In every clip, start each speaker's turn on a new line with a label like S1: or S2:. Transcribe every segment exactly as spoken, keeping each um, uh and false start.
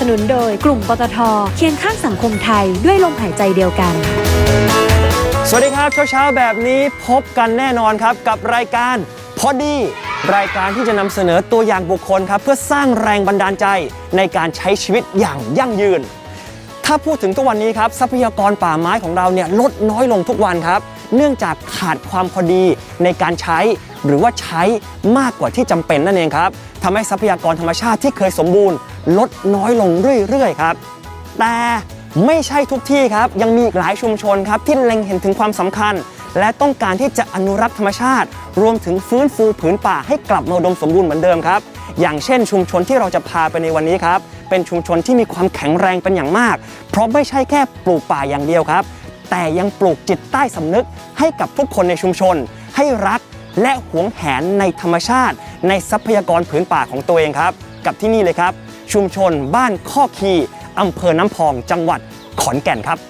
S1: สนุนโดยกลุ่มปตท.เคียงข้างสังคมไทยด้วยลมหายใจเดียวกัน
S2: สวัสดีครับเช้าๆแบบนี้พบกันแน่นอนครับกับรายการพอดีรายการที่จะนำเสนอตัวอย่างบุคคลครับเพื่อสร้างแรงบันดาลใจในการใช้ชีวิตอย่างยั่งยืนถ้าพูดถึงทุกวันนี้ครับทรัพยากรป่าไม้ของเราเนี่ยลดน้อยลงทุกวันครับเนื่องจากขาดความพอดีในการใช้หรือว่าใช้มากกว่าที่จำเป็นนั่นเองครับทำให้ทรัพยากรธรรมชาติที่เคยสมบูรณ์ลดน้อยลงเรื่อยๆครับแต่ไม่ใช่ทุกที่ครับยังมีอีกหลายชุมชนครับที่เล็งเห็นถึงความสำคัญและต้องการที่จะอนุรักษ์ธรรมชาติรวมถึงฟื้นฟูผืนป่าให้กลับมาอุดมสมบูรณ์เหมือนเดิมครับอย่างเช่นชุมชนที่เราจะพาไปในวันนี้ครับเป็นชุมชนที่มีความแข็งแรงเป็นอย่างมากเพราะไม่ใช่แค่ปลูกป่าอย่างเดียวครับแต่ยังปลูกจิตใต้สำนึกให้กับทุกคนในชุมชนให้รักและหวงแหนในธรรมชาติในทรัพยากรผืนป่าของตัวเองครับกับที่นี่เลยครับชุมชนบ้านข้อคีอำเภอน้ำพองจังหวัดขอนแก่นครับ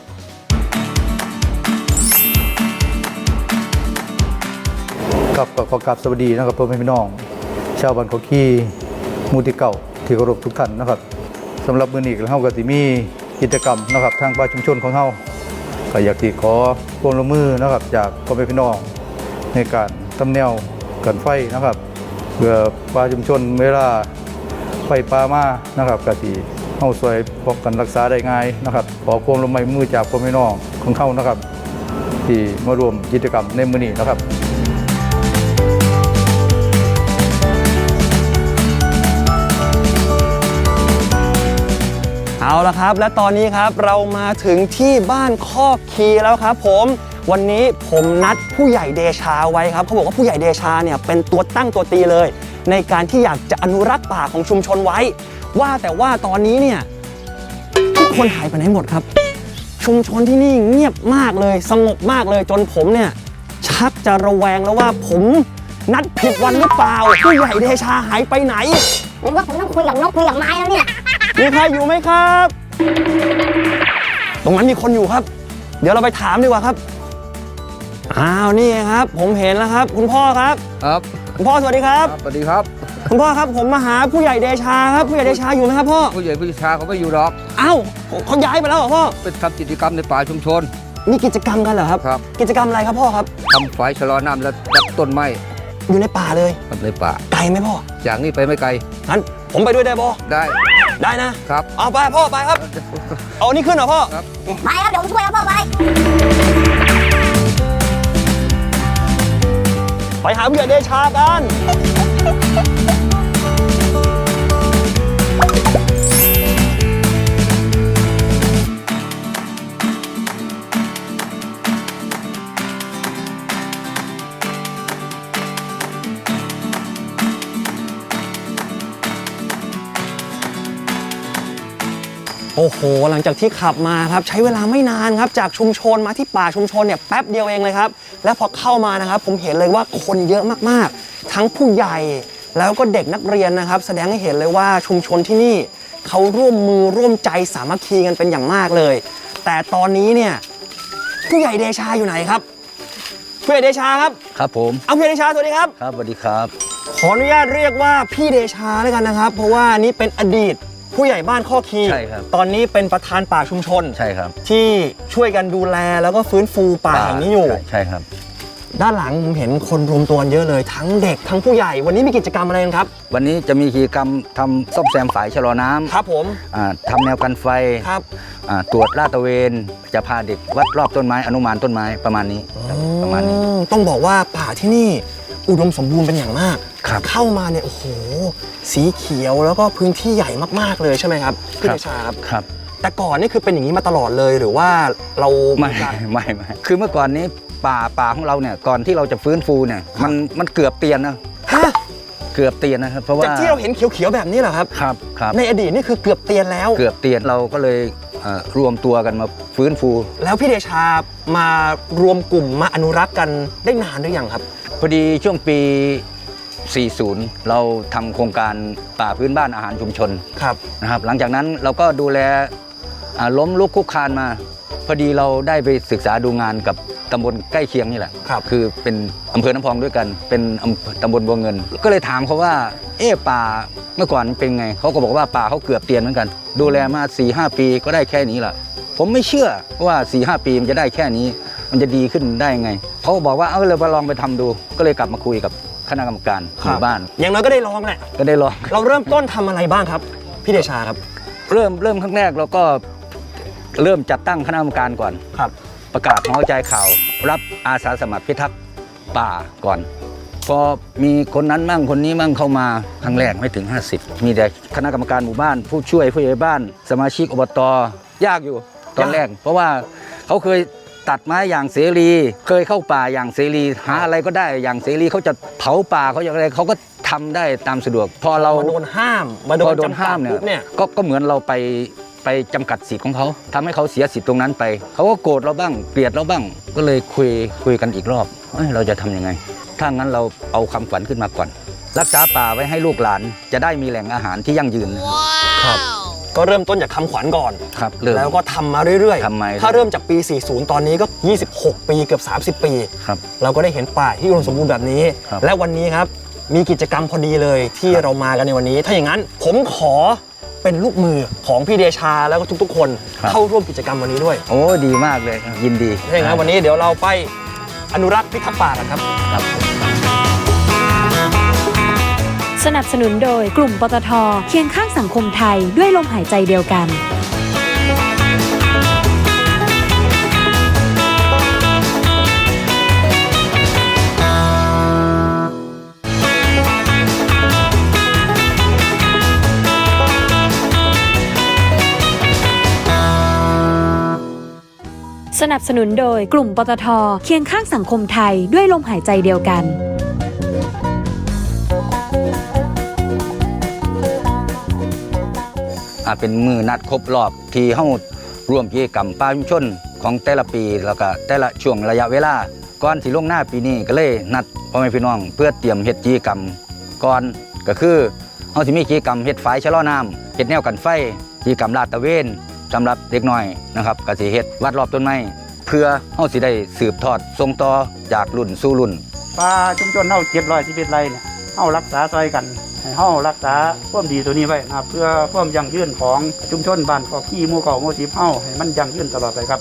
S3: กับขอกราบสวัสดีนะครับพ่อแม่พี่น้องชาวบ้านข้อคีหมู่ที่เก่าที่เคารพทุกท่านนะครับสำหรับมื้อนี้เราก็สิมีกิจกรรมนะครับทางป่าชุมชนของเราก็อยากที่ขอความร่วมมือนะครับจากพ่อแม่พี่น้องในการทำแนวกันไฟนะครับเพื่อป่าชุมชนเวลาไฟป่ามานะครับก็สิเฮาช่วยป้องกันรักษาได้ง่ายนะครับขอความร่วมมือจากพ่อแม่พี่น้องของเรานะครับที่มาร่วมกิจกรรมในมื้อนี้นะครับ
S2: เอาละครับและตอนนี้ครับเรามาถึงที่บ้านข้อคีแล้วครับผมวันนี้ผมนัดผู้ใหญ่เดชาไว้ครับเขาบอกว่าผู้ใหญ่เดชาเนี่ยเป็นตัวตั้งตัวตีเลยในการที่อยากจะอนุรักษ์ป่าของชุมชนไว้ว่าแต่ว่าตอนนี้เนี่ยทุกคนหายไปไหนหมดครับชุมชนที่นี่เงียบมากเลยสงบมากเลยจนผมเนี่ยชักจะระแวงแล้วว่าผมนัดผิดวันหรือเปล่าผู้ใหญ่เดชาหายไปไหน
S4: หรือว่าผมต้องคุยกับนกคุยกับไม้แล้วเนี่ย
S2: มีใครอยู่ไหมครับตรงนั้นมีคนอยู่ครับเดี๋ยวเราไปถามดีกว่าครับอ้าวนี่ครับผมเห็นแล้วครับคุณพ่อครับ
S5: ครับ
S2: คุณพ่อสวัสดีครับ
S5: สวัสดีครับ
S2: คุณพ่อครับผมมาหาผู้ใหญ่เดชาครับผู้ใหญ่เดชาอยู่ไหมครับพ่อ
S5: ผู้ใหญ่ผู้ชาเขาไม่อยู่หรอก
S2: อ้าวเขาย้ายไปแล้วเหรอพ่อ
S5: เป็นทำกิจกรรมในป่าชุมชน
S2: มีกิจกรรมกันเหรอครับ
S5: ครับ
S2: กิจกรรมอะไรครับพ่อครับ
S5: ทำฝายชะลอน้ำและดับต้นไม้
S2: อยู่ในป่าเลย
S5: ในป่า
S2: ไกลไหมพ่อ
S5: จากนี้ไปไม่ไกล
S2: งั้นผมไปด้วยได้พ่อ
S5: ได้
S2: ได้นะครับเอาไปพ่อไปครับเอานี่ขึ้นเหรอพ่อ
S5: ครับ
S4: ไปครับเดี๋ยวผมช่วยครับพ่อไป
S2: ไปหาผู้ใหญ่เดชากันโอ้โหหลังจากที่ขับมาครับใช้เวลาไม่นานครับจากชุมชนมาที่ป่าชุมชนเนี่ยแป๊บเดียวเองเลยครับและพอเข้ามานะครับผมเห็นเลยว่าคนเยอะมากๆทั้งผู้ใหญ่แล้วก็เด็กนักเรียนนะครับแสดงให้เห็นเลยว่าชุมชนที่นี่เขาร่วมมือร่วมใจสามัคคีกันเป็นอย่างมากเลยแต่ตอนนี้เนี่ยผู้ใหญ่เดชาอยู่ไหนครับผู้ใหญ่เดชาครับ
S5: ครับผม
S2: เอาผู้ใหญ่เดชาสวัสดีครับ
S5: ครับสวัสดีครับ
S2: ขออนุญาตเรียกว่าพี่เดชาแล้วกันนะครับเพราะว่านี้เป็นอดีตผู้ใหญ่บ้านข้อคี
S5: ใช่ครับ
S2: ตอนนี้เป็นประธานป่าชุมชน
S5: ใช่ครับ
S2: ที่ช่วยกันดูแลแล้วก็ฟื้นฟูป่าแห่งนี้อยู่
S5: ใช่ครับ
S2: ด้านหลังผมเห็นคนรวมตัวเยอะเลยทั้งเด็กทั้งผู้ใหญ่วันนี้มีกิจกรรมอะไรกันครับ
S5: วันนี้จะมีกิจกรรมทำซ่อมแซมฝายชะลอน้ำ
S2: ครับผม
S5: ทำแนวกันไฟ
S2: ครับ
S5: ตรวจลาดตระเวนจะพาเด็กวัดรอบต้นไม้อนุมานต้นไม้ประมาณนี้ประมาณนี้
S2: ต้องบอกว่าป่าที่นี่อุดมสมบูรณ์เป็นอย่างมากเข้ามาเนี่ยโอ้โหสีเขียวแล้วก็พื้นที่ใหญ่มากๆเลยใช่ไหมครับพี่เดชาครับ
S5: ครับ
S2: แต่ก่อนนี่คือเป็นอย่างนี้มาตลอดเลยหรือว่าเรา
S5: ไม่ไม่ไม่คือเมื่อก่อนนี้ป่าป่าของเราเนี่ยก่อนที่เราจะฟื้นฟูเนี่ยมันมันเกือบเตียนนะ
S2: ฮะ
S5: เกือบเตียนนะครับเพราะว่า
S2: จากที่เราเห็นเขียวๆแบบนี้เหรอครับ
S5: ครับครับ
S2: ในอดีตนี่คือเกือบเตียนแล้ว
S5: เกือบเตียนเราก็เลยรวมตัวกันมาฟื้นฟู
S2: แล้วพี่เดชามารวมกลุ่มมาอนุรักษ์กันได้นานหรือยังครับ
S5: พอดีช่วงปีสี่สิบเราทำโครงการป่าพื้นบ้านอาหารชุมชน
S2: ครับ
S5: นะครับหลังจากนั้นเราก็ดูแลล้มลุกคุกคานมาพอดีเราได้ไปศึกษาดูงานกับตำบลใกล้เคียงนี่แหละ
S2: ครับ
S5: คือเป็นอำเภอน้ำพองด้วยกันเป็นตำบลบัวเงินก็เลยถามเขาว่าเอ๊ะป่าเมื่อก่อนเป็นไงเขาก็บอกว่าป่าเขาเกือบเตียนเหมือนกันดูแลมา สี่ห้า ปีก็ได้แค่นี้แหละผมไม่เชื่อว่า สี่ห้า ปีมันจะได้แค่นี้มันจะดีขึ้นได้ไงเขาบอกว่าเอาเลยมาลองไปทำดูก็เลยกลับมาคุยกับคณะกรรมการหมู่บ้าน
S2: อย่างน้อยก็ได้ลองแหละ
S5: ก็ได้ลอง
S2: เราเริ่มต้นทำอะไรบ้างครับพี่เดชาครับ
S5: เริ่มเริ่มครั้งแรกเราก็เริ่มจัดตั้งคณะกรรมการก่อน
S2: ครับ
S5: ประกาศหอใจข่าวรับอาสาสมัครพิทักษ์ป่าก่อนพอมีคนนั้นมั่งคนนี้มั่งเข้ามาครั้งแรกไม่ถึงห้าสิบมีแต่คณะกรรมการหมู่บ้านผู้ช่วยผู้ใหญ่บ้านสมาชิกอบตยากอยู่ตอนแรก เพราะว่าเขาเคยตัดไม้อย่างเสรีเคยเข้าป่าอย่างเสรีหาอะไรก็ได้อย่างเสรีเขาจะเผาป่าเขาอย่างไรเขาก็ทำได้ตามสะดวกพอเรา
S2: มาโดนห้ามมาโด
S5: พอน โดน
S2: จำกั
S5: ห้า
S2: ด
S5: มเนี่ย
S2: ปุ๊บเนี่ย
S5: ก็ก็เหมือนเราไปไปจำกัดสิทธิ์ของเขาทำให้เขาเสียสิทธิ์ตรงนั้นไปเขาก็โกรธเราบ้างเกลียดเราบ้างก็เลยคุยคุยกันอีกรอบเอ้ยเราจะทำยังไงถ้างั้นเราเอาความฝันขึ้นมาก่อน รักษาป่าไว้ให้ลูกหลานจะได้มีแหล่งอาหารที่ยั่งยืนนะครับ
S2: ครับก็เริ่มต้นจากคำขวัญก่อน
S5: ครับเริ่ม
S2: แล้วก็ทำมาเรื่อย
S5: ทำมาเรื่อย
S2: ถ้าเริ่มจากปี สี่สิบ ตอนนี้ก็ ยี่สิบหก ปีเกือบ สามสิบ ปี
S5: ครับ
S2: เราก็ได้เห็นป่าที่อุดมสมบูรณ์แบบนี้
S5: ครับ
S2: และวันนี้ครับมีกิจกรรมพอดีเลยที่เรามากันในวันนี้ ถ้าอย่างนั้นผมขอเป็นลูกมือของพี่เดชาแล้วก็ทุกๆ คนเข้าร่วมกิจกรรมวันนี้ด้วย
S5: โอ้ดีมากเลยยินดี
S2: ถ้าอย่างนั้นวันนี้เดี๋ยวเราไปอนุรักษ์พิทักษ์ป่ากันครับ
S5: ครับ
S1: สนับสนุนโดยกลุ่มปตทเคียงข้างสังคมไทยด้วยลมหายใจเดียวกัน สนับสนุนโดยกลุ่มปตทเคียงข้างสังคมไทยด้วยลมหายใจเดียวกัน
S5: อ่าเป็นมือนัดครบรอบที่เฮาร่วมกิจกรรมป่าชุมชนของแต่ละปีแล้วก็แต่ละช่วงระยะเวลาก่อนสิลงหน้าปีนี้ก็เลยนัดพ่อแม่พี่น้องเพื่อเตรียมเฮ็ดกิจกรรมก่อนก็คือเฮาสิมีกิจกรรมเฮ็ดฝายชะลอน้ำเฮ็ดแนวกันไฟกิจกรรมลาดตระเวนสำหรับเด็กน้อยนะครับก็สิเฮ็ดวัดรอบต้นไม้เพื่อเฮาสิได้สืบทอดส่งต่อจากรุ่นสู่รุ่น
S6: ป่าชุมชนเฮาเจ็ดร้อยสิบเอ็ดไร่เนี่ยเฮารักษาซอยกันให้เฮารักษาความดีตัวนี้ไว้นะครับเพื่อความยั่งยืนของชุมชนบ้านกอขี้หมู่เก่าหมู่สิบเฮาให้มันยั่งยืนตลอดไปครับ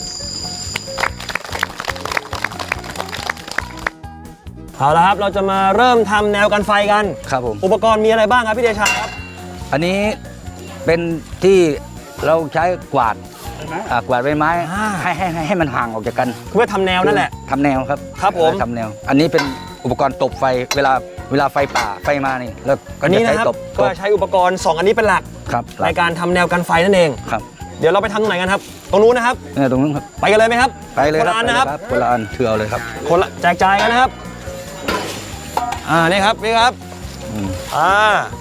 S2: เอาละครับเราจะมาเริ่มทำแนวกันไฟกัน
S5: ครับผม
S2: อุปกรณ์มีอะไรบ้างครับพี่เดชาครับ
S5: อันนี้เป็นที่เราใช้กวาดอ่ากวาดใบไม้
S2: อ่า
S5: ให้ให้ให้ให้มันห่างออกจากกัน
S2: เพื่อทำแนวนั่นแหละ
S5: ทำแนวครับ
S2: ครับผม
S5: ทำแนว อันนี้เป็นอุปกรณ์ตบไฟเวลาเวลาไฟป่าไฟมานี่แล้วก็
S2: อัน
S5: จะ
S2: นี้
S5: ใช้
S2: นะครับ
S5: ตบ
S2: ก็ใช้อุปกรณ์สองอันนี้เป็นหลัก
S5: ครับ
S2: ในการทำแนวกันไฟนั่นเอง
S5: ครับ
S2: เดี๋ยวเราไปทำตรงไหนกันครับ ตรงนู้นนะครับ
S5: เนี่ยตรงนู้นครับ
S2: ไปกันเลยไหมครับ
S5: ไปเลย
S2: คน
S5: ครั
S2: ละอันนะครับ
S5: คนละอันถือเอาเลยครับ
S2: คนละแจกจ่ายกันนะครับ อ่า นี่ครับ นี่ครับ
S5: อืม
S2: อ่า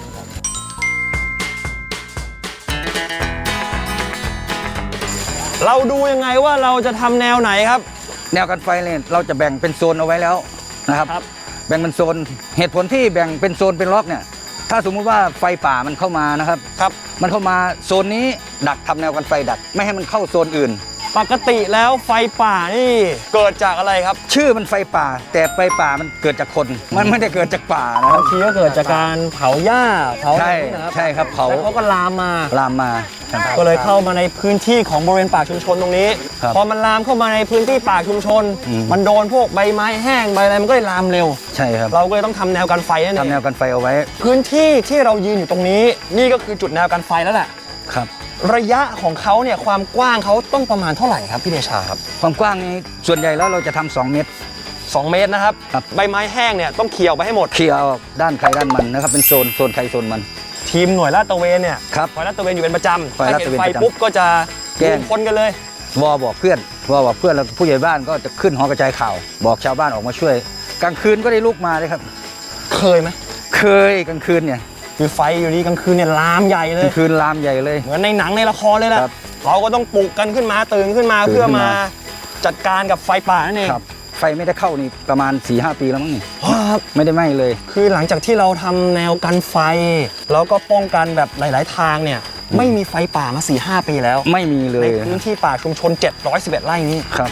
S2: เราดูยังไงว่าเราจะทำแนวไหนครับ
S5: แนวกันไฟเนี่ยเราจะแบ่งเป็นโซนเอาไว้แล้วนะครับ
S2: ครับ
S5: แบ่งเป็นโซนเหตุผลที่แบ่งเป็นโซนเป็นล็อกเนี่ยถ้าสมมุติว่าไฟป่ามันเข้ามานะครับ
S2: ครับ
S5: มันเข้ามาโซนนี้ดักทำแนวกันไฟดักไม่ให้มันเข้าโซนอื่น
S2: ปกติแล้วไฟป่านี่เกิดจากอะไรครับ
S5: ชื่อมันไฟป่า แต่ไฟป่ามันเกิดจากคน มันไม่ได้เกิดจากป่านะครับ
S2: บางทีก็เกิดจากการเผาหญ้า เผา
S5: ใช่
S2: อะไรนะครับ
S5: ใช่ครับเผา
S2: แล้วเขาก็ลามมา
S5: ลามมาครับ
S2: ก็เลยเข้ามาในพื้นที่ของบริเวณป่าชุมชนตรงนี้
S5: ครับ
S2: พอมันลามเข้ามาในพื้นที่ป่าชุมชน
S5: อืม
S2: มันโดนพวกใบไม้แห้งใบอะไรมันก็เลยลามเร็ว
S5: ใช่ครับ
S2: เราก็เลยต้องทำแนวกันไฟนั่นเอ
S5: ทำแน
S2: ง
S5: วกันไฟเอาไว้
S2: พื้นที่ที่เรายืนอยู่ตรงนี้ นี่ก็คือจุดแนวกันไฟแล้วแหละ
S5: ครับ
S2: ระยะของเขาเนี่ยความกว้างเขาต้องประมาณเท่าไหร่ครับพี่เดชาครับ
S5: ความกว้างนี้ส่วนใหญ่แล้วเราจะทำสองเมตร
S2: สองเมตรนะครับ
S5: ครับ
S2: ใบไม้แห้งเนี่ยต้องเคลียร์ออกไปให้หมด
S5: เคลียร์ออกด้านใครด้านมันนะครับเป็นโซนโซนใครโซนมัน
S2: ทีมหน่วยลาดตระเวนเนี่ย
S5: ครับ
S2: คอยลาดตระเวนอยู่เป็นประจำ
S5: คอย
S2: ถ้า
S5: ลาด
S2: เห็
S5: ต
S2: น
S5: ระเวน
S2: ไฟ
S5: ประจำ
S2: ปุ๊บก็จะ
S5: แจ้ง
S2: รวมคนกันเลย
S5: วอบอกเพื่อนวอบอกเพื่อนแล้วผู้ใหญ่บ้านก็จะขึ้นหอกระจายข่าว บอกชาวบ้านออกมาช่วย กลางคืนก็ได้ลุกมาเลยครับ
S2: เคยไหม
S5: เคยกลางคืนเนี่ย
S2: คือไฟอยู่ดีกลางคืนเนี่ยลามใหญ่เล
S5: กลาย งคืนลามใหญ่เลย
S2: เหมือนในหนังในละครเลยแหละ
S5: ครับ
S2: เราก็ต้องปลุกกันขึ้นมาตื่นขึ้นมา
S5: ตื่น
S2: เพื่อ
S5: ขึ้น
S2: มา
S5: มา
S2: จัดการกับไฟป่านั่นเอง
S5: ครับไฟไม่ได้เข้านี่ประมาณ สี่ห้า ปีแล้วมั้งนี่
S2: ครับ
S5: ไม่ได้ไหม้เลย
S2: คือหลังจากที่เราทำแนวกันไฟ แล้วก็ป้องกันแบบหลาย ๆ ทางเนี่ยไม่มีไฟป่ามา สี่ห้า ปีแล้ว
S5: ไม่มีเล
S2: ใน
S5: ย
S2: พื้นที่ป่าชุมชน เจ็ดร้อยสิบเอ็ด ไร่นี้
S5: ครับ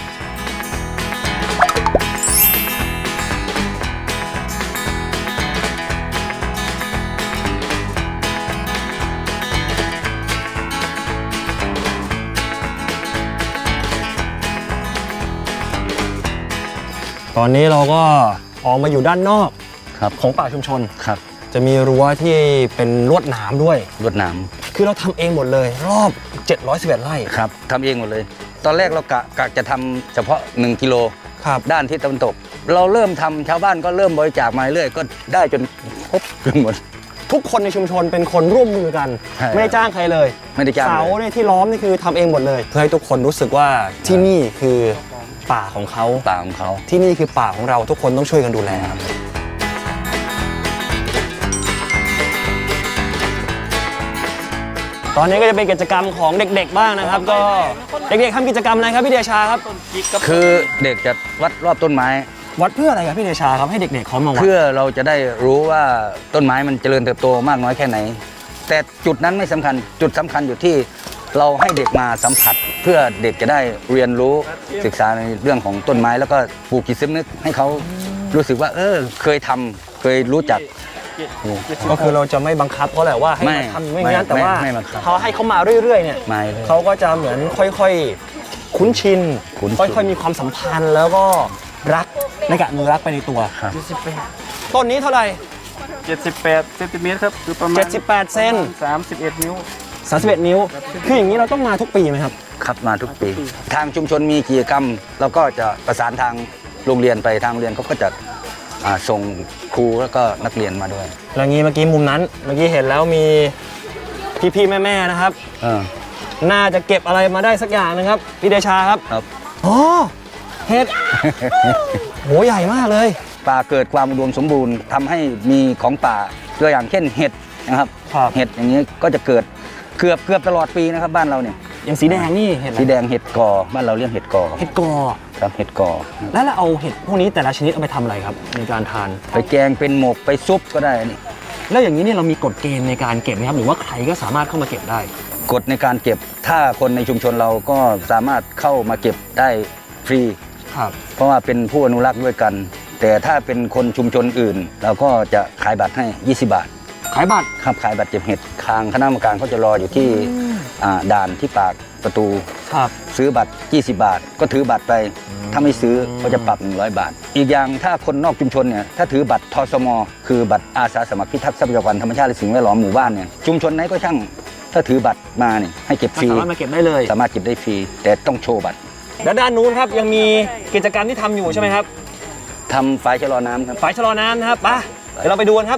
S2: คตอนนี้เราก็ออกมาอยู่ด้านนอก
S5: ครับ
S2: ของป่าชุมชน
S5: ครับ
S2: จะมีรั้วที่เป็นลวดหนามด้วย
S5: รวดหนาม
S2: คือเราทำเองหมดเลย รอบ เจ็ดร้อยสิบเอ็ด ไร่
S5: ครับทำเองหมดเลย ตอนแรกเรากะกะจะทำเฉพาะหนึ่งกิโล
S2: ครับ
S5: ด้านทิศตะวันตก เราเริ่มทำชาวบ้านก็เริ่มบริจาคมาเรื่อยก็ได้จนครบจนหมด
S2: ทุกคนในชุมชนเป็นคนร่วมมือกัน
S5: ใช่
S2: ไม่ได้จ้างใครเลย
S5: ไม่ได้จ้าง
S2: เสา
S5: เลย
S2: เนี่ยที่ล้อมนี่คือทำเองหมดเลย เพื่อให้ทุกคนรู้สึกว่าที่นี่คือป่าของเขา
S5: ป่าของเขา
S2: ที่นี่คือป่าของเราทุกคนต้องช่วยกันดูแลครับตอนนี้ก็จะเป็นกิจกรรมของเด็กๆบ้างนะครับ ก็เด็กๆทำกิจกรรมอะไรครับพี่เดชาครับ
S5: คือเด็กจะวัดรอบต้นไม้
S2: วัดเพื่ออะไรครับพี่เดชาครับให้เด็กๆเขามาวัด
S5: เพื่อเราจะได้รู้ว่าต้นไม้มันเจริญเติบโตมากน้อยแค่ไหน แต่จุดนั้นไม่สำคัญจุดสำคัญอยู่ที่เราให้เด็กมาสัมผัส เพื่อเด็กจะได้เรียนรู้ศึกษาในเรื่องของต้นไม้แล้วก็ปลูกจิตสำนึกให้เขารู้สึกว่า เออเคยทำเคยรู้จัก
S2: ก็คือเราจะไม่บังคับเขาแหละว่าให้
S5: ไม่
S2: มาทำไม่
S5: ไม่
S2: งั้นแต่ว่า
S5: ไม่ไม่บังคับ
S2: เขาให้เขามาเรื่อยๆเนี่ย
S5: มาเลย
S2: เขาก็จะเหมือนค่อยๆคุ้นชิน
S5: คุ้นชิน
S2: ค่อยๆมีความสัมพันธ์แล้วก็รักในการอนุรักษ์ไปในตัว
S5: ครับ
S2: ต้นนี้เท่าไหร่
S6: เจ็ดสิบแปดเซนติเมตรครับคือประมาณ
S2: เจ็ดสิบแปดเซน
S6: สามสิบเอ็ดนิ้ว
S2: สามสิบเอ็ดนิ้ว คืออย่างนี้เราต้องมาทุกปีไหมครับ
S5: ครับมาทุกปี ทางชุมชนมีกิจกรรมเราก็จะประสานทางโรงเรียนไปทางโรงเรียนเขาก็จะอ่าส่งครูแล้วก็นักเรียนมาด้วย
S2: แล้วงี้เมื่อกี้มุมนั้น เมื่อกี้เห็นแล้วมีพี่ๆแม่ๆนะครับ
S5: เออ
S2: น่าจะเก็บอะไรมาได้สักอย่างนะครับพี่เดชาครับ
S5: ครับ
S2: อ๋อเห็ด โหใหญ่มากเลย
S5: ป่าเกิดความอุดมสมบูรณ์ทำให้มีของป่าตัวอย่างเช่นเห็ดนะครับ
S2: ครับ
S5: เห็ดอย่างนี้ก็จะเกิดเกือบเกือบตลอดปีนะครับบ้านเราเนี่ย
S2: อย่างสีแดงนี่เห็ดอะไร
S5: สีแดงเห็ดกอบ้านเราเรียกเห็ดกอ
S2: เห็ดกอ
S5: ครับเห็ดกอ
S2: แล้วเราเอาเห็ดพวกนี้แต่ละชนิดเอาไปทำอะไรครับในการทาน
S5: ไปแกงเป็นหมกไปซุปก็ได้นี่
S2: แล้วอย่างนี้เนี่ยเรามีกฎเกณฑ์ในการเก็บไหมครับหรือว่าใครก็สามารถเข้ามาเก็บได้
S5: กฎในการเก็บถ้าคนในชุมชนเราก็สามารถเข้ามาเก็บได้ฟรี
S2: ครับ
S5: เพราะว่าเป็นผู้อนุรักษ์ด้วยกัน แต่ถ้าเป็นคนชุมชนอื่น เราก็จะขายบัตรให้ยี่สิบบาท
S2: ขายบัตร
S5: ครับขายบัตรเก็บเห็ดทางคณะกรรมการเขาจะรออยู่ที่อ่าด่านที่ปากประตู
S2: ครับ
S5: ซื้อบัตรยี่สิบบาท ก็ถือบัตรไป ถ้าไม่ซื้อก็จะปรับหนึ่งร้อยบาท อีกอย่างถ้าคนนอกชุมชนเนี่ยถ้าถือบัตรทสม คือบัตรอาสาสมัครพิทักษ์ทรัพยากรธรรมชาติและสิ่งแวดล้อมหมู่บ้านเนี่ยชุมชนไหนก็ช่างถ้าถือบัตรมาเนี่ยให้เก็บฟรี
S2: สามารถมาเก็บได้เลย
S5: สามารถเก็บได้ฟรีแต่ต้องโชว์บัตร
S2: แล้วด้านนู้นครับยังมีกิจกรรมที่ทำอยู่ใช่ไหมครับ
S5: ทำฝายชะลอน้ำครับ
S2: ฝายชะลอน้ำนะครับไปเดี๋ยวเราไปดูกันครับ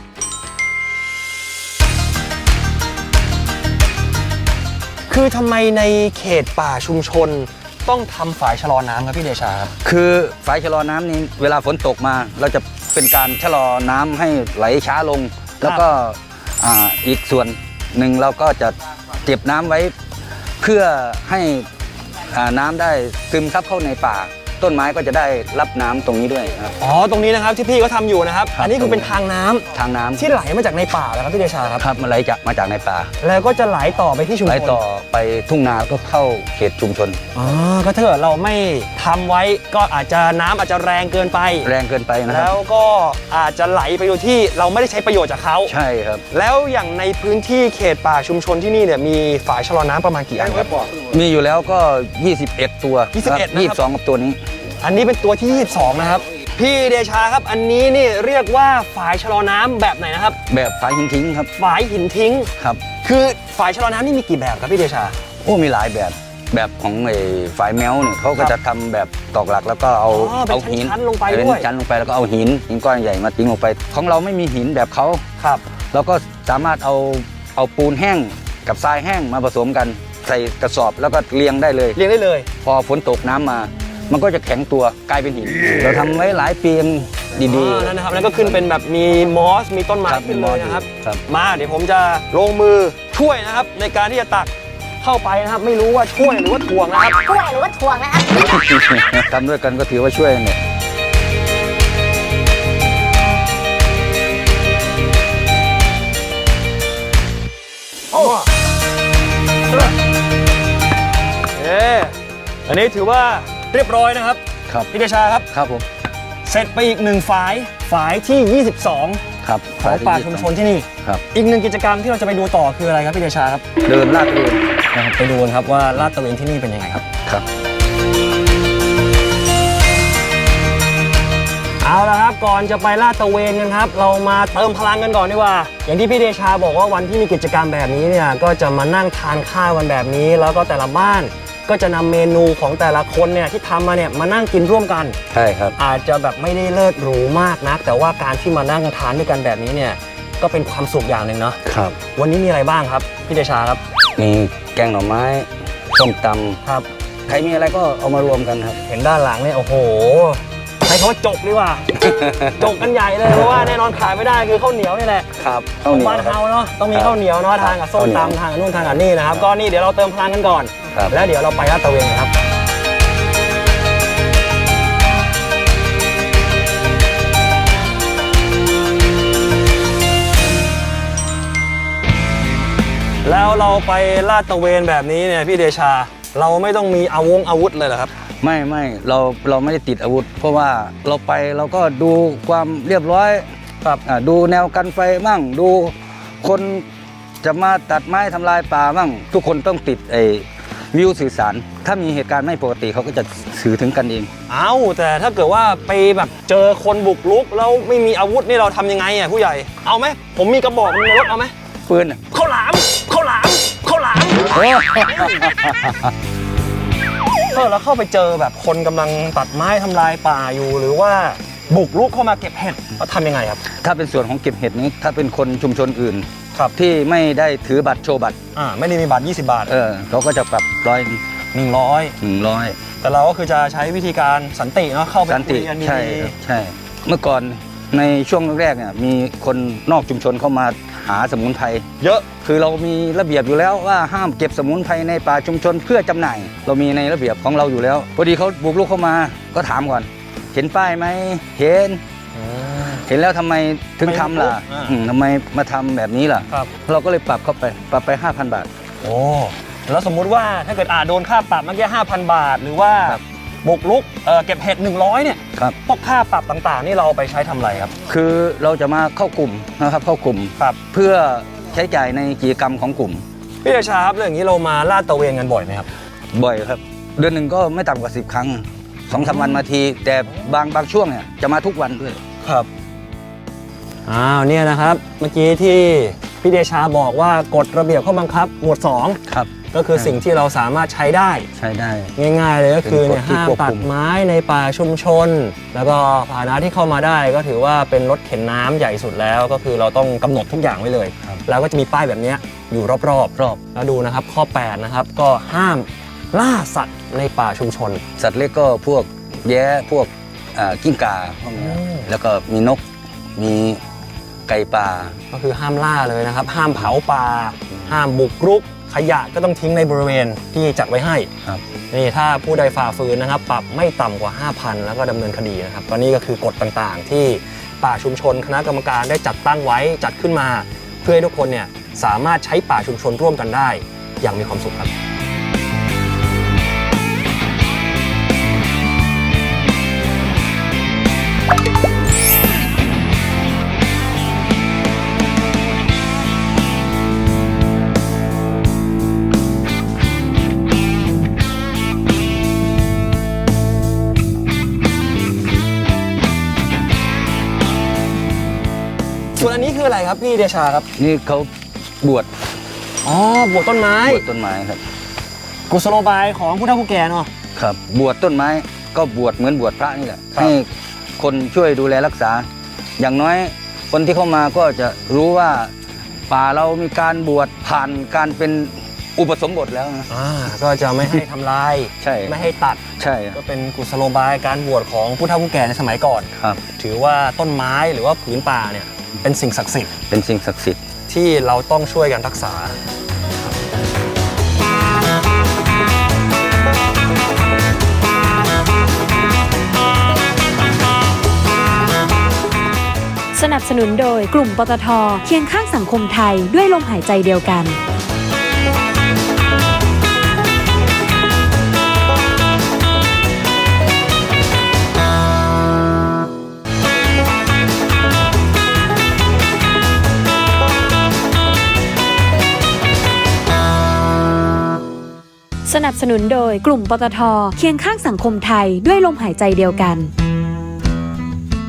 S2: คือทำไมในเขตป่าชุมชนต้องทำฝายชะลอน้ำครับพี่เดชาครับ
S5: คือฝายชะลอน้ำนี้เวลาฝนตกมา เราจะเป็นการชะลอน้ำให้ไหลช้าลง แล้วก็อ่าอีกส่วนหนึ่งเราก็จะเก็บน้ำไว้เพื่อให้อ่าน้ำได้ซึมซับเข้าในป่า ต้นไม้ก็จะได้รับน้ำตรงนี้ด้วยครับ
S2: อ๋อตรงนี้นะครับที่พี่เขาทำอยู่นะครับ
S5: ครับ
S2: อันนี้คือเป็นทางน้ำ
S5: ทางน้ำ
S2: ที่ไหลมาจากในป่าแล้วครับพี่เดชาครับ
S5: ครับมันไหลจากมาจากในป่า
S2: แล้วก็จะไหลต่อไปที่ชุมชน
S5: ไหลต่อไปทุ่งนาแล้วก็เข้าเขตชุมชน
S2: อ๋อก็ถ้าเกิดเราไม่ทำไว้ก็อาจจะน้ำอาจจะแรงเกินไป
S5: แรงเกินไปนะครั
S2: แล้
S5: บ
S2: วก็อาจจะไหลไปโดยที่เราไม่ได้ใช้ประโยชน์จากเขา
S5: ใช่ครับ
S2: แล้วอย่างในพื้นที่เขตป่าชุมชนที่นี่เนี่ยมีฝายชะลอน้ำประมาณกี่อันครับ
S5: มีอยู่แล้วก็ ยี่สิบเอ็ด ตัว
S2: ยี่สิบเอ็ดนะครับ
S5: ยี่สิบสองกับตัวนี้
S2: อันนี้เป็นตัวที่ยี่สิบสองนะครับพี่เดชาครับอันนี้นี่เรียกว่าฝายชะลอน้ำแบบไหนนะครับ
S5: แบบฝายหินทิ้งครับ
S2: ฝายหินทิ้ง
S5: ครับ
S2: คือฝายชะลอน้ำนี่มีกี่แบบครับพี่เดชา
S5: โอ้มีหลายแบบแบบของไอ้ฝายแมวเนี่ยเขาก็จะทำแบบตอกหลักแล้วก็เอา
S2: อ๋อเป็น
S5: เอาหิน
S2: ชั้นๆลงไป
S5: เป็น
S2: ด้วย
S5: ชั้นลงไปแล้วก็เอาหินหินก้อนใหญ่มาทิ้งลงไป ของเราไม่มีหินแบบเขา
S2: ครับ
S5: เราก็สามารถเอาเอาปูนแห้งกับทรายแห้งมาผสมกัน ใส่กระสอบแล้วก็เรียงได้เลย
S2: เรียงได้เลย
S5: พอฝนตกน้ำมา มันก็จะแข็งตัวกลายเป็นหิน เราทำไว้หลายปียังดี
S2: อ๋อนั่นนะครับแล้วก็ขึ้นเป็นแบบมีมอสมีต้นไม้
S5: ครับ
S2: ขึ้นเลยนะครับ
S5: ครับ
S2: มาเดี๋ยวผมจะลงมือช่วยนะครับในการที่จะตักเข้าไปนะครับ ไม่รู้ว่าช่วยหรือว่าถ่วงนะครับ
S4: ช่วยหรือว่าถ่วงนะครับ
S5: ๆ ทำด้วยกันก็ถือว่าช่วยเนี่ย
S2: เอออันนี้ถือว่าเรียบร้อยนะครับ
S5: ครับ
S2: พี่เดชาครับ
S5: ครับผม
S2: เสร็จไปอีกหนึ่งฝายฝายที่ยี่สิบสอง
S5: ครับ
S2: ของป่าชุมชนที่นี่
S5: ครับ
S2: อีกหนึ่งกิจกรรมที่เราจะไปดูต่อคืออะไรครับพี่เดชาครับ
S5: เดินลาดเรียน
S2: นะครับไปดูกันครับว่าลาดตระเวนที่นี่เป็นยังไงครับ
S5: ครับ
S2: เอาละครับก่อนจะไปลาดตระเวนกันครับเรามาเติมพลังกันก่อนดีกว่าอย่างที่พี่เดชาบอกว่าวันที่มีกิจกรรมแบบนี้เนี่ยก็จะมานั่งทานข้าวกันแบบนี้แล้วก็แต่ละบ้านก็จะนำเมนูของแต่ละคนเนี่ยที่ทำมาเนี่ยมานั่งกินร่วมกัน
S5: ใช่ครับ
S2: อาจจะแบบไม่ได้เลิศหรูมากนักแต่ว่าการที่มานั่งทานด้วยกันแบบนี้เนี่ยก็เป็นความสุขอย่างหนึ่งเนาะ
S5: ครับ
S2: วันนี้มีอะไรบ้างครับพี่เดชาครับ
S5: มีแกงหน่อไม้ส้มตำ
S2: ครับ
S5: ใครมีอะไรก็เอามารวมกันครับ
S2: เห็นด้านหลังเนี่ยโอ้โหใช้คำว่าจกดีกว่า จกกันใหญ่เลยเพราะว่าแน่นอนขายไม่ได้คือข้าวเหนียวนี่แหละ
S5: ครับ
S2: ข้าวเหนียวบ้านเฮาเนาะต้องมีข้าวเหนียวเนาะทานกับส้มตำทานกับนู่นทานกับนี่นะครับก็นี่เดี๋ยวเราเติมพลังกันก่อน
S5: ครับ
S2: แล้วเดี๋ยวเราไปลาดตระเวนกันครับแล้วเราไปลาดตระเวนแบบนี้เนี่ยพี่เดชาเราไม่ต้องมีอาวงอาวุธเลยเหรอครับ
S5: ไม่ไม่เราเราไม่ได้ติดอาวุธ เพราะว่าเราไปเราก็ดูความเรียบร้อย
S2: ครับ
S5: อ่าดูแนวกันไฟมั่งดูคนจะมาตัดไม้ทำลายป่ามั่งทุกคนต้องติดไอ้วิวสื่อสาร ถ้ามีเหตุการณ์ไม่ปกติเขาก็จะสื่อถึงกันเอง
S2: เอ้าแต่ถ้าเกิดว่าไปแบบเจอคนบุกรุกแล้วไม่มีอาวุธนี่เราทำยังไงอ่ะผู้ใหญ่เอาไหมผมมีกระบอกในรถเอาไหม
S5: ปืนอ่ะ
S2: ข้าวหลามข้าวหลามข้าวหลามเออแล้วเข้าไปเจอแบบคนกำลังตัดไม้ทำลายป่าอยู่หรือว่าบุกรุกเข้ามาเก็บเห็ดเราทำยังไงครับ
S5: ถ้าเป็นส่วนของเก็บเห็ดนี้ถ้าเป็นคนชุมชนอื่น
S2: ครับ
S5: ที่ไม่ได้ถือบัตรโชว์บัตร
S2: อ่าไม่ได้มีบัตรยี่สิบบาท
S5: เออเขาก็จะปรับร้อย
S2: หนึ่งร้อย
S5: หนึ่งร้อย
S2: แต่เราก็คือจะใช้วิธีการสันติเนาะเข้าไป
S5: สันติ
S2: คุยกันดี
S5: ใช่ครับใช่ เมื่อก่อนในช่วงแรกๆเนี่ยมีคนนอกชุมชนเข้ามาหาสมุนไพร
S2: เยอะ
S5: คือเรามีระเบียบอยู่แล้วว่าห้ามเก็บสมุนไพรในป่าชุมชนเพื่อจำหน่าย เรามีในระเบียบของเราอยู่แล้วพอดีเขาบุกรุกเข้ามาก็ถามก่อน เห็นป้ายไหมเห็น เห็นแล้วทำไมถึงทำล่ะ
S2: อ่า
S5: อืมทำไมมาทำแบบนี้ล่ะ
S2: ครับ
S5: เราก็เลยปรับเข้าไปปรับไป ห้าพัน บาท
S2: โอ้แล้วสมมุติว่าถ้าเกิดอาโดนค่าปรับเมื่อกี้ห้าพันบาท หรือว่า
S5: ครับ
S2: บุกรุกเอ่อเก็บเห็ดหนึ่งร้อยเนี่ย
S5: ครับ
S2: พวกค่าปรับต่างๆ นี่เราเอาไปใช้ทำอะไรครับ
S5: คือเราจะมาเข้ากลุ่มนะครับเข้ากลุ่ม
S2: ครับ
S5: เพื่อใช้จ่ายในกิจกรรมของกลุ่ม
S2: พี่เดชาครับเรื่องนี้เรามาลาดตระเวนกันบ่อยไหมครับ
S5: บ่อยครับ เดือนหนึ่งก็ไม่ต่ำกว่าสิบครั้งสองสามวันมาที แต่บางบางช่วงเนี่ยจะมาทุกวันด้วย
S2: ครับอ้าวเนี่ยนะครับเมื่อกี้ที่พี่เดชาบอกว่ากฎระเบียบข้อบังคับหมวดสอง
S5: ครับ
S2: ก็คือสิ่งที่เราสามารถใช้ได้
S5: ใช้ได้
S2: ง่ายๆเลยก็คือเนี่ย
S5: เป็นกฎที่
S2: ห้าม
S5: ควบคุม
S2: ตัดไม้ในป่าชุมชน แล้วก็พาหนะที่เข้ามาได้ก็ถือว่าเป็นรถเข็นน้ำใหญ่สุดแล้วก็คือเราต้องกำหนดทุกอย่างไว้เลย แล้วก็จะมีป้ายแบบเนี้ยอยู่รอบๆรอบแล้วดูนะครับข้อแปดนะครับก็ห้ามล่าสัตว์ในป่าชุมชน
S5: สัตว์เล็กก็พวกแย้พวกอ่ากิ้งก่าพวกนี้
S2: อืม
S5: แล้วก็มีนกมีไก่ป่า
S2: ก็คือห้ามล่าเลยนะครับ ห้ามเผาป่า ห้ามบุกรุก ขยะก็ต้องทิ้งในบริเวณที่จัดไว้ให้
S5: ครับ
S2: นี่ถ้าผู้ใดฝ่าฝืนนะครับ ปรับไม่ต่ำกว่า ห้าพัน แล้วก็ดำเนินคดีนะครับก็นี่ก็คือกฎต่างๆ ที่ป่าชุมชนคณะกรรมการได้จัดตั้งไว้จัดขึ้นมา เพื่อให้ทุกคนเนี่ยสามารถใช้ป่าชุมชนร่วมกันได้ อย่างมีความสุขครับ ส่วนอันนี้คืออะไรครับพี่เดชาครับ
S5: นี่เขาบวช
S2: อ๋อบวชต้นไม้
S5: บวชต้นไม้ครับ
S2: กุศโลบายของผู้เฒ่าผู้แก่เนาะ
S5: ครับ บวชต้นไม้ก็บวชเหมือนบวชพระนี่แหละ
S2: ครับ
S5: ให้คนช่วยดูแลรักษา อย่างน้อยคนที่เข้ามาก็จะรู้ว่าป่าเรามีการบวชผ่านการเป็นอุปสมบทแล้วนะ
S2: อ่าก็จะไม่ให้ทำลาย
S5: ใช่
S2: ไม่ให้ตัด
S5: ใช่
S2: ก็เป็นกุศโลบายการบวชของผู้เฒ่าผู้แก่ในสมัยก่อน
S5: ครับ
S2: ถือว่าต้นไม้หรือว่าผืนป่าเนี่ยเป็นสิ่งศักดิ์สิทธิ์
S5: เป็นสิ่งศักดิ์สิทธิ์
S2: ที่เราต้องช่วยกันรักษา
S1: สนับสนุนโดยกลุ่มปตท.เคียงข้างสังคมไทยด้วยลมหายใจเดียวกัน สนับสนุนโดยกลุ่มปตท.เคียงข้างสังคมไทยด้วยลมหายใจเดียวกัน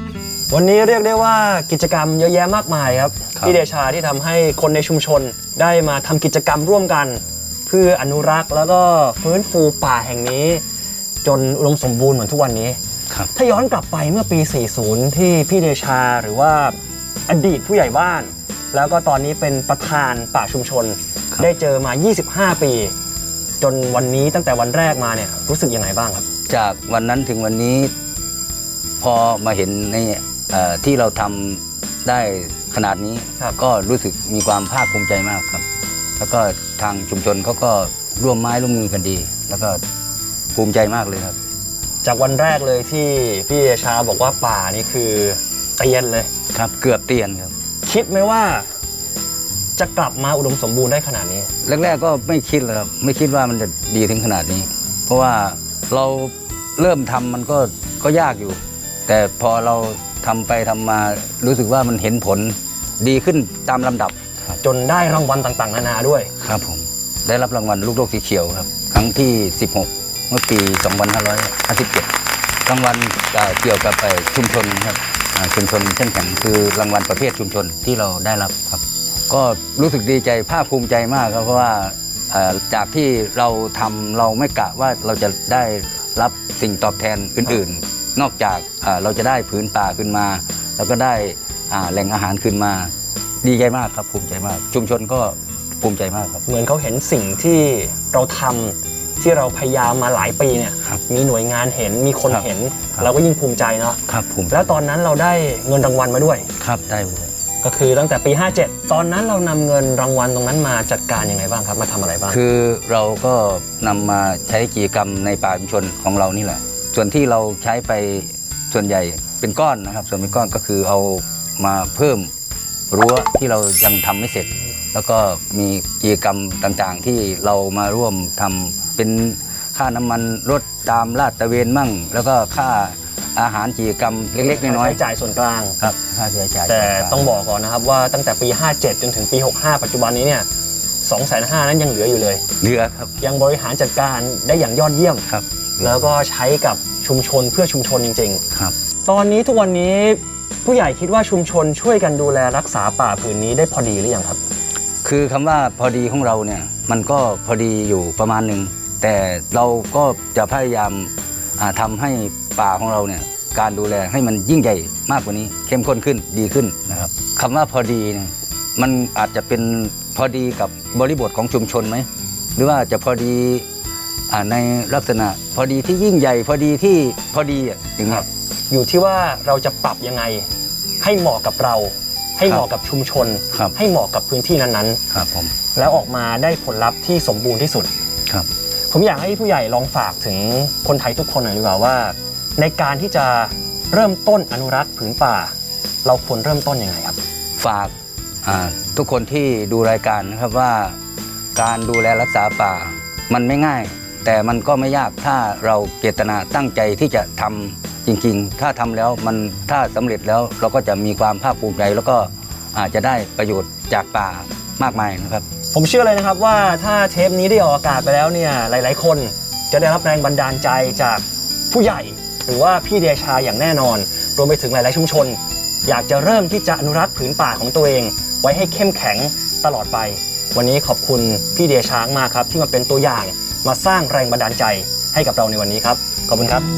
S2: วันนี้เรียกได้ว่ากิจกรรมเยอะแยะมากมายครับ
S5: ครับ
S2: พี่เดชาที่ทำให้คนในชุมชนได้มาทำกิจกรรมร่วมกัน เพื่ออนุรักษ์แล้วก็ฟื้นฟูป่าแห่งนี้ จนอุดมสมบูรณ์เหมือนทุกวันนี้
S5: ครับ
S2: ถ้าย้อนกลับไปเมื่อปี สี่สิบ ที่พี่เดชาหรือว่าอดีตผู้ใหญ่บ้าน แล้วก็ตอนนี้เป็นประธานป่าชุมชน
S5: ครับ
S2: ได้เจอมา ยี่สิบห้า ปี จนวันนี้ตั้งแต่วันแรกมาเนี่ยรู้สึกยังไงบ้างครับ
S5: จากวันนั้นถึงวันนี้พอมาเห็นในเอ่อที่เราทำได้ขนาดนี้
S2: ครับ
S5: ก็รู้สึกมีความภาคภูมิใจมากครับ แล้วก็ทางชุมชนเขาก็ร่วมไม้ร่วมมือกันดี แล้วก็ภูมิใจมากเลยครับ
S2: จากวันแรกเลยที่พี่เดชาบอกว่าป่านี่คือเตียนเลย
S5: ครับเกือบเตียนครับ
S2: คิดไหมว่าจะกลับมาอุดมสมบูรณ์ได้ขนาดนี้
S5: แรกๆก็ไม่คิดเลยครับไม่คิดว่ามันจะดีถึงขนาดนี้ เพราะว่าเราเริ่มทำมันก็ก็ยากอยู่ แต่พอเราทำไปทำมารู้สึกว่ามันเห็นผลดีขึ้นตามลำดับครับ
S2: จนได้รางวัลต่างๆนานาด้วย
S5: ครับผมได้รับรางวัลลูกโลกสีเขียวครับครั้งที่ สิบหก เมื่อปี สองพันห้าร้อยห้าสิบเจ็ด รางวัลเอ่อเกี่ยวกับเอ่อชุมชนครับอ่าชุมชนเข้มแข็งคือรางวัลประเภทชุมชนที่เราได้รับครับ ก็รู้สึกดีใจภาคภูมิใจมากครับเพราะว่าเอ่อจากที่เราทำเราไม่กะว่าเราจะได้รับสิ่งตอบแทนอื่นๆ นอกจากเอ่อเราจะได้ผืนป่าขึ้นมา แล้วก็ได้อ่าแหล่งอาหารขึ้นมาดีใจมากครับภูมิใจมาก ชุมชนก็ภูมิใจมากครับ
S2: เหมือนเขาเห็นสิ่งที่เราทำที่เราพยายามมาหลายปีเนี่ย
S5: ครับ
S2: มีหน่วยงานเห็นมีคน
S5: ครับ
S2: เห็น
S5: ครับ
S2: เราก็ยิ่งภูมิใจเนาะ
S5: ครับภูมิ
S2: แล้วตอนนั้นเราได้เงินรางวัลมาด้วย
S5: ครับได้เลย
S2: ก็คือตั้งแต่ปี ห้าเจ็ด ตอนนั้นเรานำเงินรางวัลตรงนั้นมาจัดการยังไงบ้างครับมาทำอะไรบ้าง
S5: คือเราก็นำมาใช้กิจกรรมในป่าชุมชนของเรานี่แหละ ส่วนที่เราใช้ไปส่วนใหญ่เป็นก้อนนะครับ ส่วนเป็นก้อนก็คือเอามาเพิ่มรั้วที่เรายังทำไม่เสร็จ แล้วก็มีกิจกรรมต่างๆ ที่เรามาร่วมทำเป็นค่าน้ำมันรถตามลาดตระเวนมั่ง แล้วก็ค่าอาหารกิจกรรมเล็กๆน้อย
S2: ใช้จ่ายส่วนกลาง
S5: ๆครับค่าใช้จ่าย
S2: แต่ต้องบอกก่อนนะครับว่าตั้งแต่ปี ห้าเจ็ด จนถึงปี หกห้า ปัจจุบันนี้เนี่ย สองแสนห้า นั้นยังเหลืออยู่เลย
S5: เหลือครับ
S2: ยังบริหารจัดการได้อย่างยอดเยี่ยม
S5: ครับ
S2: แล้วก็ใช้กับชุมชนเพื่อชุมชนจริง
S5: ครับ
S2: ๆ ตอนนี้ทุกวันนี้ผู้ใหญ่คิดว่าชุมชนช่วยกันดูแลรักษาป่าผืนนี้ได้พอดีหรือยังครับ
S5: คือคำว่าพอดีของเราเนี่ยมันก็พอดีอยู่ประมาณหนึ่งแต่เราก็จะพยายามอ่าทำให้ป่าของเราเนี่ยการดูแลให้มันยิ่งใหญ่มากกว่านี้เข้มข้นขึ้นดีขึ้นนะครับคำว่าพอดีเนี่ยมันอาจจะเป็นพอดีกับบริบทของชุมชนไหมหรือว่าจะพอดีอ่าในลักษณะพอดีที่ยิ่งใหญ่ พอดีที่พอดีอ่ะอย่างเงี้ย
S2: อยู่ที่ว่าเราจะปรับยังไงให้เหมาะกับเรา ให้เหมาะกับชุมชน
S5: ครับ
S2: ให้เหมาะกับพื้นที่นั้น
S5: ครับผม
S2: ๆ แล้วออกมาได้ผลลัพธ์ที่สมบูรณ์ที่สุด
S5: ครับ
S2: ผมอยากให้ผู้ใหญ่ลองฝากถึงคนไทยทุกคนหน่อยดีกว่าว่า ในการที่จะเริ่มต้นอนุรักษ์ผืนป่า เราควรเริ่มต้นยังไงครับ
S5: ฝากอ่าทุกคนที่ดูรายการนะครับว่าการดูแลรักษาป่ามันไม่ง่าย แต่มันก็ไม่ยากถ้าเราเจตนาตั้งใจที่จะทำจริงๆ ถ้าทำแล้วมันถ้าสำเร็จแล้วเราก็จะมีความภาคภูมิใจแล้วก็อาจจะได้ประโยชน์จากป่ามากมายนะครับ
S2: ผมเชื่อเลยนะครับว่าถ้าเทปนี้ได้ออกอากาศไปแล้วเนี่ยหลายๆ คนจะได้รับแรงบันดาลใจจากผู้ใหญ่ หรือว่าพี่เดชาอย่างแน่นอน รวมไปถึงหลายๆชุมชน อยากจะเริ่มที่จะอนุรักษ์ผืนป่าของตัวเอง ไว้ให้เข้มแข็งตลอดไป วันนี้ขอบคุณพี่เดชามากครับที่มาเป็นตัวอย่างมาสร้างแรงบันดาลใจให้กับเราในวันนี้ครับขอบคุณครับ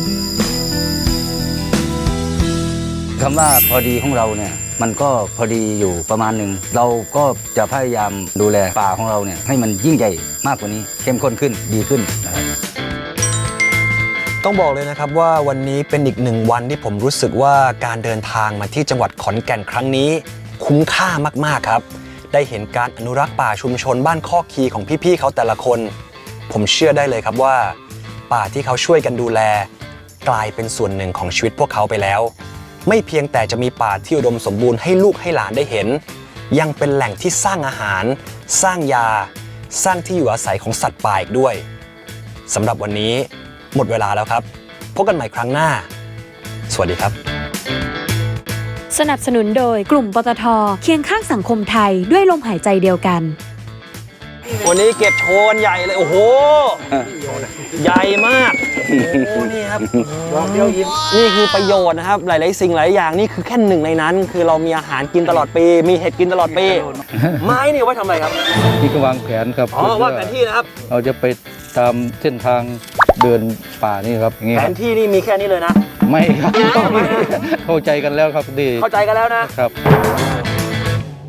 S5: คำว่าพอดีของเราเนี่ยมันก็พอดีอยู่ประมาณหนึ่งเราก็จะพยายามดูแลป่าของเราเนี่ยให้มันยิ่งใหญ่มากกว่านี้เข้มข้นขึ้นดีขึ้นนะครับ
S2: ต้องบอกเลยนะครับว่าวันนี้เป็นอีกหนึ่งวันที่ผมรู้สึกว่าการเดินทางมาที่จังหวัดขอนแก่นครั้งนี้คุ้มค่ามากๆครับได้เห็นการอนุรักษ์ป่าชุมชนบ้านคอกคีของพี่ๆเขาแต่ละคน ผมเชื่อได้เลยครับว่าป่าที่เขาช่วยกันดูแลกลายเป็นส่วนหนึ่งของชีวิตพวกเขาไปแล้วไม่เพียงแต่จะมีป่าที่อุดมสมบูรณ์ให้ลูกให้หลานได้เห็นยังเป็นแหล่งที่สร้างอาหารสร้างยาสร้างที่อยู่อาศัยของสัตว์ป่าอีกด้วยสำหรับวันนี้หมดเวลาแล้วครับพบกันใหม่ครั้งหน้าสวัสดีครับ
S1: สนับสนุนโดยกลุ่มปตท.เคียงข้างสังคมไทยด้วยลมหายใจเดียวกัน
S2: วันนี้เก็บโชว์กันใหญ่เลยโอ้โห ใหญ่มากโอ้นี่ครับ
S6: ลองเดียวยิ้ม
S2: นี่คือประโยชน์นะครับ หลายๆสิ่งหลายอย่างนี่คือแค่หนึ่งในนั้น คือเรามีอาหารกินตลอดปี มีเห็ดกินตลอดปี ไม้นี่ไว้ทำอะไรครับ
S3: นี่ก็วางแผนครับ
S2: อ๋อวาดแผนที่นะครับ
S3: เราจะไปตามเส้นทางเดินป่านี่ครับอย่างงี้
S2: แผ
S3: ครับ
S2: นที่นี่มีแค่นี้เลยนะ
S3: ไม่ครับ เข้าใจกันแล้วครับดี
S2: เข้าใจกันแล้วนะ
S3: ครับ